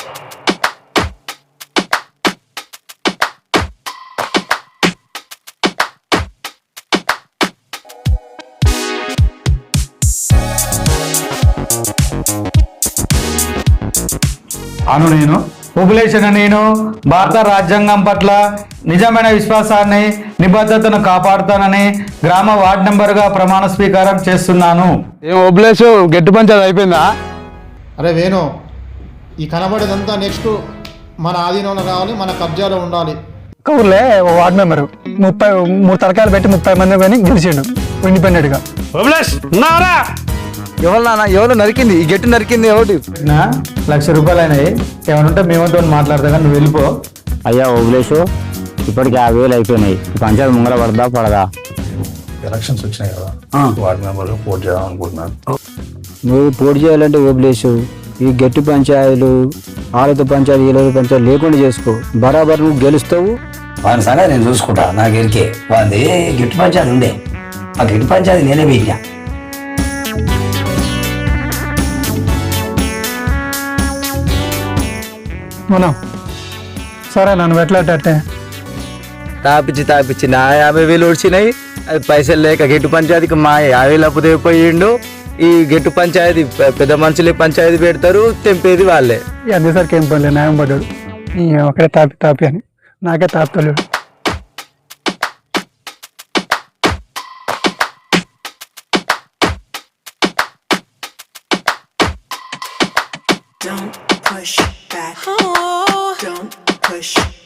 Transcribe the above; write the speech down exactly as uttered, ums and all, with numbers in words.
అను నేను ఉపలేషణ నేను భారత రాజ్యాంగం పట్ల నిజమైన విశ్వాసాన్ని నిబద్ధతను కాపాడుతానని గ్రామ వార్డు మెంబర్గా ప్రమాణ స్వీకారం చేస్తున్నాను. ఏం ఉపలేషు గట్టి పంచాయతీ అయిపోయిందా? అరే వేణు, ఈ కనబడేదంతా నెక్స్ట్ మన ఆధీనంలో రావాలి, మన కబ్జాలో ఉండాలి. ఊర్లే ఓ వార్డు మెంబరు ముప్పై మూడు తరకాయలు పెట్టి ముప్పై మంది కానీ గెలిచిండు ఇండిపెండెంట్గా. ఎవరు నాన్న ఎవరు నరికింది ఈ గట్టి నరికింది ఎవరు? నా లక్ష రూపాయలు అయినాయి, ఏమనుంటే మేమతో మాట్లాడతా కానీ నువ్వు వెళ్ళిపో. అయ్యా ఓబులేషు, ఇప్పటికి యాభై వేలు అయిపోయినాయి. పంచాయతీ ముంగల పడదా పడదా? ఎలక్షన్స్ వచ్చినాయి కదా, వార్డు మెంబర్గా పోటీ చేద్దాం అనుకుంటున్నాను. నువ్వు పోటీ చేయాలంటే ఓబులేషు ఈ గట్టి పంచాయతీలు ఆలత పంచాయతీ ఏలూరు పంచాయతీ లేకుండా చేసుకో. బరాబర్ నువ్వు గెలుస్తావు. వాని సంగతి నేను చూసుకుంటా. నాకు ఎరికే వాది గిట్టు పంచాయతీ ఉండే, ఆ గిట్టు పంచాయతీ నేనే పెట్టినా. మనం సరే నన్ను పెట్టలేటట్టే తాపిచ్చి తాపిచ్చి నా యాభై వేలు వచ్చినాయి. అది పైసలు లేక గెట్టు పంచాయతీకి మా యాభై వేలు అప్పు తెగిపోయిండు. ఈ గెట్టు పంచాయతీ పెద్ద మనుషులే పంచాయతీ పెడతారు, తెంపేది వాళ్ళే. అందరిసరికి ఏం పడలేదు, న్యాయం పడ్డాడు. ఒకడే తాపి తాపి అని నాకే తాపుతలేడు. Don't push back. Oh. Don't push